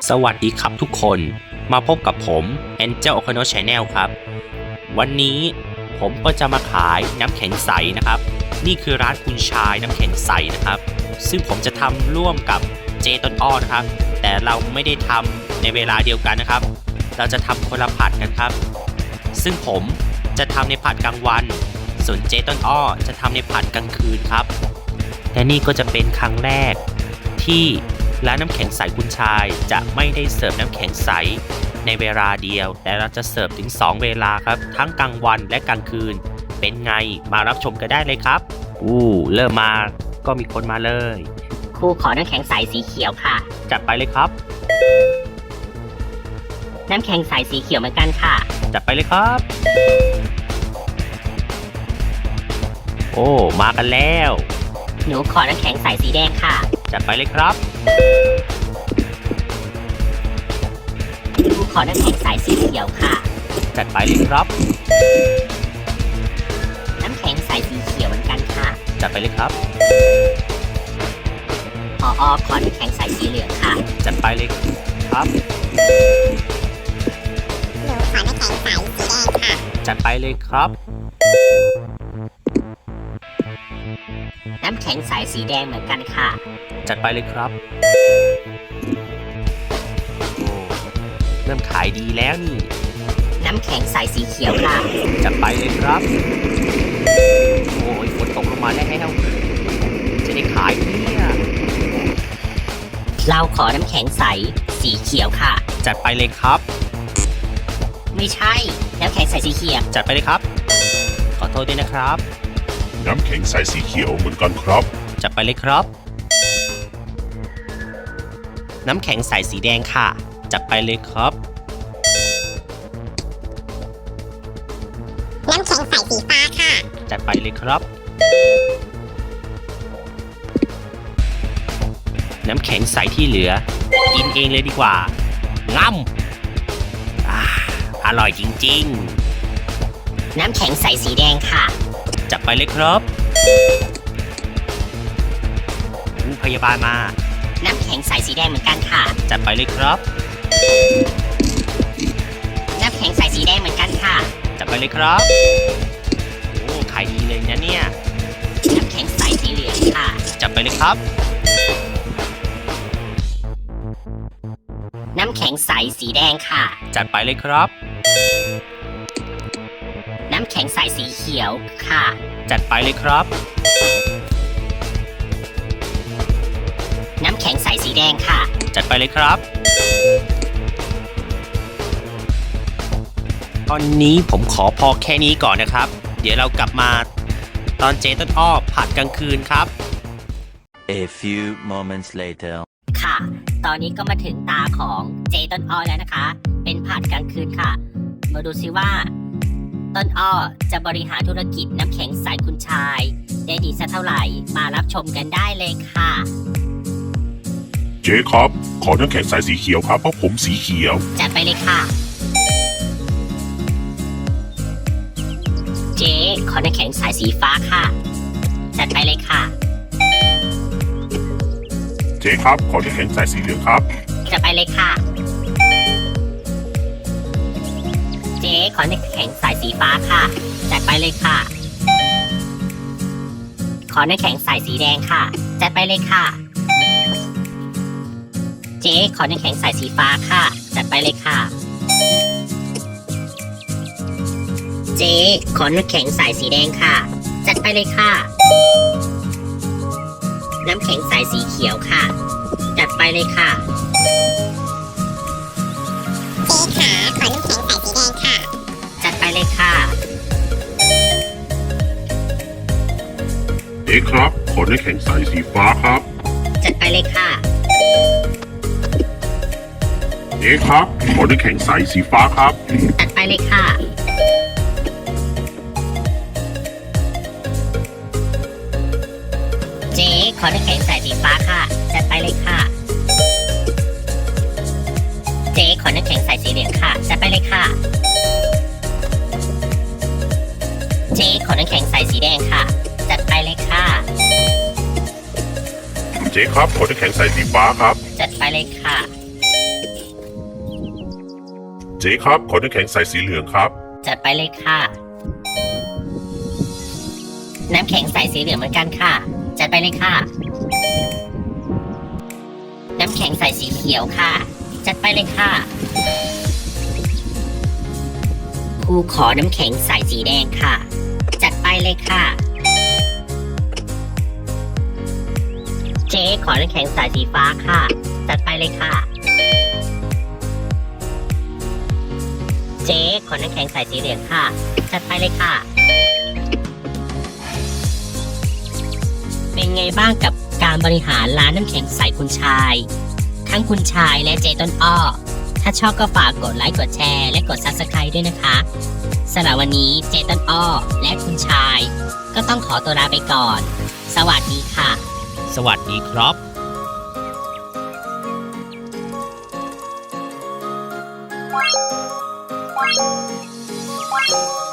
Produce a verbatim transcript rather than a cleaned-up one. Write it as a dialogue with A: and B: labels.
A: สวัสดีครับทุกคนมาพบกับผม Angel Okono Channel ครับวันนี้ผมก็จะมาขายน้ำแข็งใสนะครับนี่คือร้านคุณชายน้ำแข็งใสนะครับซึ่งผมจะทำร่วมกับเจต้นอ้อนะครับแต่เราไม่ได้ทำในเวลาเดียวกันนะครับเราจะทำคนละผัดกันครับซึ่งผมจะทำในผัดกลางวันส่วนเจต้นอ้อจะทำในผัดกลางคืนครับและนี่ก็จะเป็นครั้งแรกที่ร้านน้ำแข็งใสคุณชายจะไม่ได้เสิร์ฟน้ำแข็งใสในเวลาเดียวแต่เราจะเสิร์ฟถึงสองเวลาครับทั้งกลางวันและกลางคืนเป็นไงมารับชมกันได้เลยครับอู้เริ่มมาก็มีคนมาเลย
B: ครูขอน้ำแข็งใสสีเขียวค่ะ
A: จัดไปเลยครับ
B: น้ำแข็งใสสีเขียวเหมือนกันค่ะ
A: จัดไปเลยครับโอ้มากันแล้ว
B: หนูขอน้ำแข็งใสสีแดงค่ะ
A: จัดไปเลยครับ
B: หนูขอน้ำแข็งใสสีเขียวค่ะ
A: จัดไปเลยครับ
B: น้ำแข็งใสสีเขียวเหมือนกันค่ะ
A: จัดไปเลยครับ
B: ผอ.ขอน้ำแข็งใสสีเหลืองค่ะ
A: จัดไปเลยครับ
B: หนูขอน้ำแข็งใสสีแดงค่ะ
A: จัดไปเลยครับ
B: น้ำแข็งใสสีแดงเหมือนกันค่ะ
A: จัดไปเลยครับโอ้เริ่มขายดีแล้วนี่
B: น้ำแข็งใสสีเขียวค่ะ
A: จัดไปเลยครับโอ้ยฝนตกลงมาแล้วจะได้ขายเนี่ย
B: เราขอน้ำแข็งใสสีเขียวค่ะ
A: จัดไปเลยครับ
B: ไม่ใช่น้ำแข็งใสสีเขียว
A: จัดไปเลยครับขอโทษด้วยนะครับ
C: น้ำแข็งใสสีเขียวเหมือนกันครับ
A: จัดไปเลยครับน้ำแข็งใสสีแดงค่ะจัดไปเลยครับ
B: น้ำแข็งใสสีฟ้าค่ะ
A: จัดไปเลยครับน้ำแข็งใสที่เหลือกินเองเลยดีกว่าง่ำอ่าอร่อยจริง
B: ๆน้ำแข็งใสสีแดงค่ะ
A: จัดไปเลยครับพยาบาลมา
B: น้ำแข็งใสสีแดงเหมือนกันค่ะ
A: จัดไปเลยครับ
B: น้ำแข็งใสสีแดงเหมือนกันค่ะ
A: จัดไปเลยครับโอ้ขายดีเลยนะเนี่ย
B: น้ำแข็งใสสีเหลืองค่ะ
A: จัดไปเลยครับ
B: น้ำแข็งใสสีแดงค่ะ
A: จัดไปเลยครับ
B: น้ำแข็งใสสีเขียวค่ะ
A: จัดไปเลยครับ
B: น้ำแข็งใสสีแดงค่ะ
A: จัดไปเลยครับตอนนี้ผมขอพอแค่นี้ก่อนนะครับเดี๋ยวเรากลับมาตอนเจต้นอ้อผัดกลางคืนครับ
D: A few moments later
B: ค่ะตอนนี้ก็มาถึงตาของเจต้นอ้อแล้วนะคะเป็นผัดกลางคืนค่ะมาดูซิว่าต้นอ้อจะบริหารธุรกิจน้ำแข็งใสคุณชายได้ดีสักเท่าไหร่มารับชมกันได้เลยค่ะ
C: เจ๊ครับขอน้ำแข็งใสสีเขียวครับเพราะผมสีเขียว
B: จัดไปเลยค่ะเจ๊ขอน้ำแข็งใสสีฟ้าค่ะจัดไปเลยค่ะ
C: เจ๊ครับขอน้ำแข็งใสสีเหลืองครับ
B: จัดไปเลยค่ะเจ๊ขอน้ำแข็งใสสีฟ้าค่ะจัดไปเลยค่ะขอน้ำแข็งใสสีแดงค่ะจัดไปเลยค่ะเจ๊ขอน้ำแข็งใสสีฟ้าค่ะจัดไปเลยค่ะเจ๊ขอน้ำแข็งใสสีแดงค่ะจัดไปเลยค่ะน้ำแข็งใสสีเขียวค่ะจัดไปเลยค่ะเจ๊ขาขอน้ำแข็งใสสีแดงค่ะจัดไปเลยค่ะ
C: เจ๊ครับขอน้ำแข็งใสสีฟ้าครับ
B: จัดไปเลยค่ะ
C: เจ๊ครับขอน้ำแข็งใสสีฟ้าครับ
B: จัดไปเลยค่ะเจ๊ขอน้ำแข็งใสสีฟ้าค่ะจัดไปเลยค่ะเจ๊ขอน้ำแข็งใสสีเหลืองค่ะจัดไปเลยค่ะเจ๊ขอน้ำแข็งใสสีแดงค่ะจัดไปเลยค่ะ
C: เจ๊ครับขอน้ำแข็งใสสีฟ้าครับ
B: จัดไปเลยค่ะ
C: จ๊ครับขอน้ำแข็งใสสีเหลืองครับ
B: จัดไปเลยค่ะ น้ำแข็งใสสีเหลืองเหมือนกันค่ะ จัดไปเลยค่ะ น้ำแข็งใสสีเขียวค่ะ จัดไปเลยค่ะครูขอน้ำแข็งใสสีแดงค่ะ จัดไปเลยค่ะ เจ๊ขอน้ำแข็งใสสีฟ้าค่ะ จัดไปเลยค่ะ เจ๊ขอน้ำแข็งใสสีเหลืองค่ะ จัดไปเลยค่ะ เป็นไงบ้างกับการบริหารร้านน้ำแข็งใสคุณชาย ทั้งคุณชายและเจ๊ต้นอ้อ ถ้าชอบก็ฝากกดไลค์กดแชร์และกด ซับสไครบ์ ด้วยนะคะสำหรับวันนี้เจ๊ต้นอ้อ และคุณชาย ก็ต้องขอตัวลาไปก่อน สวัสดีค่ะ
A: สวัสดีครับ
E: Bye.